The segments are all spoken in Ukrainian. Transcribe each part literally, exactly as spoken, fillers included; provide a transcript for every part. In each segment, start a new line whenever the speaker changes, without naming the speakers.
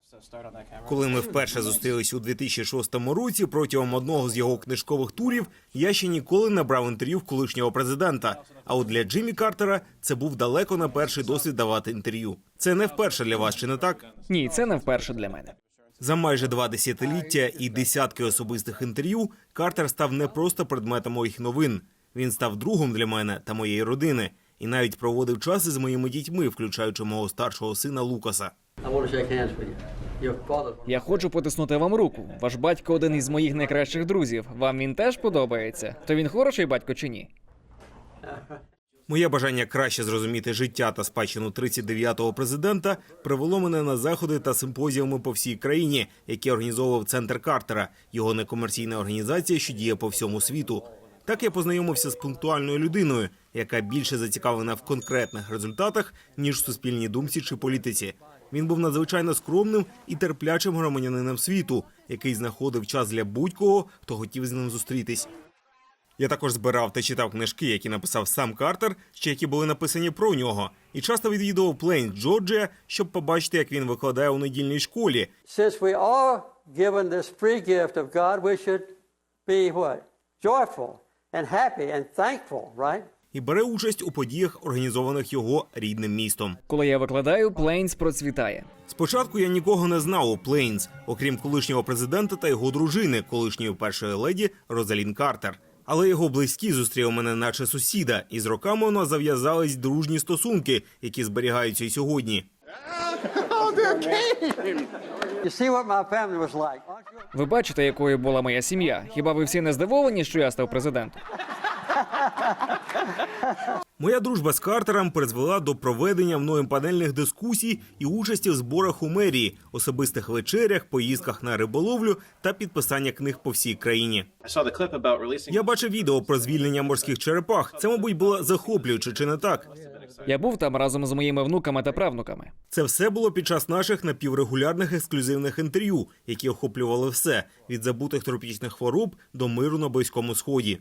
Коли ми вперше зустрілись у дві тисячі шостому році, протягом одного з його книжкових турів, я ще ніколи не брав інтерв'ю в колишнього президента. А от для Джиммі Картера це був далеко не перший досвід давати інтерв'ю. Це не вперше для вас, чи не так?
Ні, це не вперше для мене.
За майже два десятиліття і десятки особистих інтерв'ю Картер став не просто предметом моїх новин. Він став другом для мене та моєї родини. І навіть проводив час із моїми дітьми, включаючи мого старшого сина Лукаса.
Я хочу потиснути вам руку. Ваш батько один із моїх найкращих друзів. Вам він теж подобається? То він хороший батько чи ні?
Моє бажання краще зрозуміти життя та спадщину тридцять дев'ятого президента привело мене на заходи та симпозіуми по всій країні, які організовував Центр Картера, його некомерційна організація, що діє по всьому світу. Так я познайомився з пунктуальною людиною, яка більше зацікавлена в конкретних результатах, ніж в суспільній думці чи політиці. Він був надзвичайно скромним і терплячим громадянином світу, який знаходив час для будь-кого, хто хотів з ним зустрітись. Я також збирав та читав книжки, які написав сам Картер, чи які були написані про нього. І часто відвідував Плейнс, Джорджія, щоб побачити, як він викладає у недільній школі.
Since we are given this free gift of God, we should be what? Joyful and happy and thankful, right?
І бере участь у подіях, організованих його рідним містом.
Коли я викладаю, Плейнс процвітає.
Спочатку я нікого не знав у Плейнс, окрім колишнього президента та його дружини, колишньої першої леді Розалін Картер. Але його близькі зустріли мене наче сусіда, і з роками у нас зав'язались дружні стосунки, які зберігаються і сьогодні.
You see what my family was like.
Ви бачите, якою була моя сім'я? Хіба ви всі не здивовані, що я став президентом?
Моя дружба з Картером призвела до проведення мною панельних дискусій і участі в зборах у мерії, особистих вечерях, поїздках на риболовлю та підписання книг по всій країні. Я бачив відео про звільнення морських черепах. Це, мабуть, було захоплююче, чи не так?
Я був там разом з моїми внуками та правнуками.
Це все було під час наших напіврегулярних ексклюзивних інтерв'ю, які охоплювали все – від забутих тропічних хвороб до миру на Близькому Сході.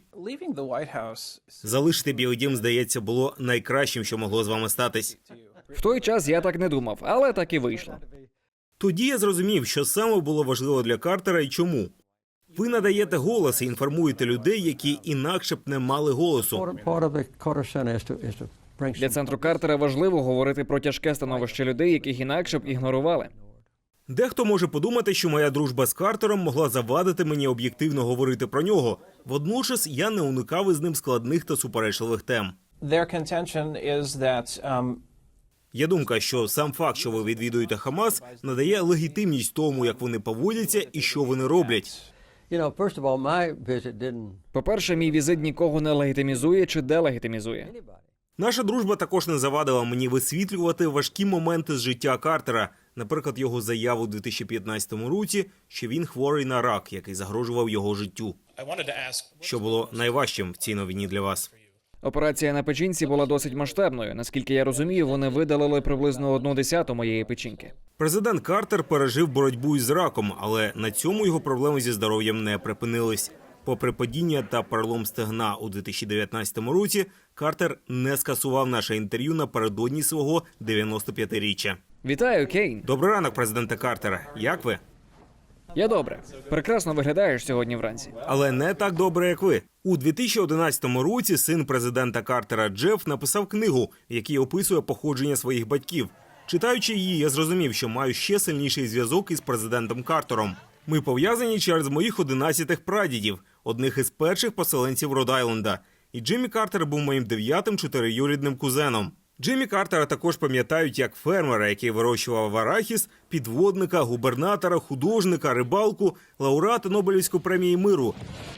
Залишити Білий дім, здається, було найкращим, що могло з вами статись.
В той час я так не думав, але так і вийшло.
Тоді я зрозумів, що саме було важливо для Картера і чому. Ви надаєте голос і інформуєте людей, які інакше б не мали голосу.
Part of the Carter Center is to, is to bring
Для Центру Картера важливо говорити про тяжке становище людей, яких інакше б ігнорували.
Дехто може подумати, що моя дружба з Картером могла завадити мені об'єктивно говорити про нього. Водночас я не уникав із ним складних та суперечливих тем.
Their contention is that um,
Є думка, що сам факт, що ви відвідуєте Хамас, надає легітимність тому, як вони поводяться і що вони роблять.
You know, first of all, my visit didn't
По-перше, мій візит нікого не легітимізує чи делегітимізує.
Наша дружба також не завадила мені висвітлювати важкі моменти з життя Картера, наприклад, його заяву у дві тисячі п'ятнадцятому році, що він хворий на рак, який загрожував його життю. Що було найважчим в цій новині для вас?
Операція на печінці була досить масштабною. Наскільки я розумію, вони видалили приблизно одну десяту моєї печінки.
Президент Картер пережив боротьбу із раком, але на цьому його проблеми зі здоров'ям не припинились. Попри падіння та перелом стегна у дві тисячі дев'ятнадцятому році, Картер не скасував наше інтерв'ю напередодні свого дев'яностоп'ятиріччя.
Вітаю, Кейн.
Добрий ранок, президенте Картера. Як ви?
Я добре. Прекрасно виглядаєш сьогодні вранці.
Але не так добре, як ви. У дві тисячі одинадцятому році син президента Картера Джеф написав книгу, в якій описує походження своїх батьків. Читаючи її, я зрозумів, що маю ще сильніший зв'язок із президентом Картером. Ми пов'язані через моїх одинадцятих прадідів, одних із перших поселенців Род-Айленда. І Джиммі Картер був моїм дев'ятим чотириюрідним кузеном. Джиммі Картера також пам'ятають як фермера, який вирощував арахіс, підводника, губернатора, художника, рибалку, лауреата Нобелівської премії миру,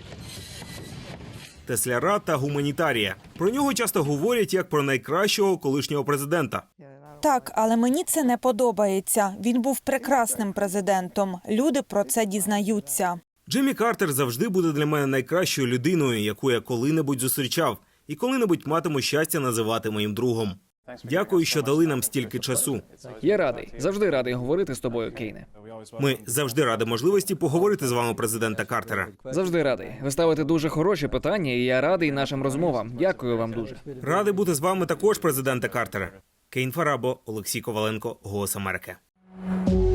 тесляра та гуманітарія. Про нього часто говорять як про найкращого колишнього президента.
Так, але мені це не подобається. Він був прекрасним президентом. Люди про це дізнаються.
Джиммі Картер завжди буде для мене найкращою людиною, яку я коли-небудь зустрічав, і коли-небудь матиму щастя називати моїм другом. Дякую, що дали нам стільки часу.
Я радий. Завжди радий говорити з тобою, Кейне.
Ми завжди раді можливості поговорити з вами, президента Картера.
Завжди радий. Ви ставите дуже хороші питання, і я радий нашим розмовам. Дякую вам дуже.
Радий бути з вами також, президента Картера. Кейн Фарабо, Олексій Коваленко, Голос Америки.